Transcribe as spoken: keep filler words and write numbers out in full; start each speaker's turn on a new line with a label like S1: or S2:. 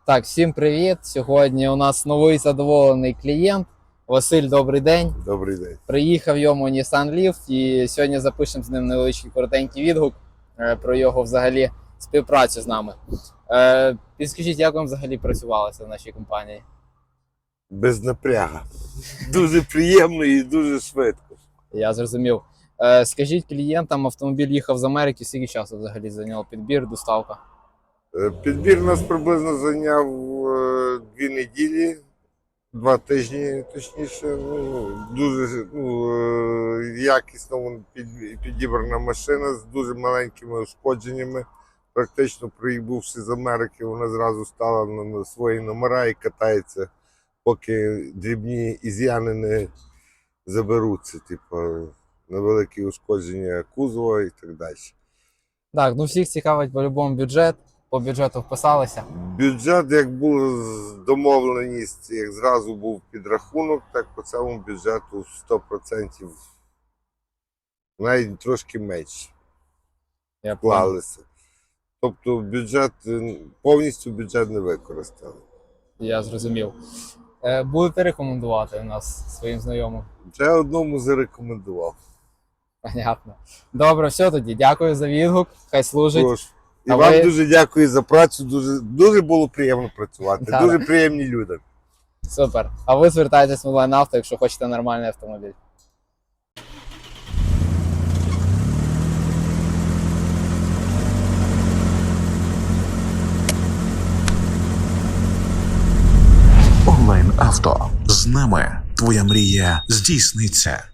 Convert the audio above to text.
S1: Так, всім привіт! Сьогодні у нас новий задоволений клієнт. Василь, добрий день.
S2: Добрий день.
S1: Приїхав йому Nissan Leaf і сьогодні запишемо з ним невеличкий коротенький відгук е, про його взагалі співпрацю з нами. Е, Підскажіть, як вам взагалі працювалося в нашій компанії?
S2: Без напряга. Дуже приємно і дуже швидко.
S1: Я зрозумів. Е, Скажіть клієнтам, автомобіль їхав з Америки, скільки часу взагалі зайняв підбір, доставка?
S2: Е, Підбір нас приблизно зайняв е, дві неділі, два тижні, точніше. Ну, дуже ну, е, якісно вон під- підібрана машина з дуже маленькими ушкодженнями. Практично прибувши з Америки, вона зразу стала на на свої номера і катається, поки дрібні із'яни не заберуться, типу, невеликі ушкодження кузова і так далі.
S1: Так, ну всіх цікавить по-любому бюджет. По бюджету вписалися.
S2: Бюджет, як була домовленість, як зразу був підрахунок, так по цьому бюджету сто відсотків, навіть трошки менше
S1: Я
S2: вклалися. Тобто бюджет, повністю бюджет не використали.
S1: Я зрозумів. Е, Будете рекомендувати у нас своїм знайомим?
S2: Вже одному зарекомендував.
S1: Понятно. Добре, все тоді. Дякую за відгук. Хай служить.
S2: Тож, і
S1: А
S2: вам
S1: ви-
S2: дуже дякую за працю, дуже, дуже було приємно працювати,
S1: Да.
S2: дуже приємні люди.
S1: Супер. А ви звертайтесь в онлайн авто, якщо хочете нормальний автомобіль.
S3: Онлайн авто. З нами твоя мрія здійсниться.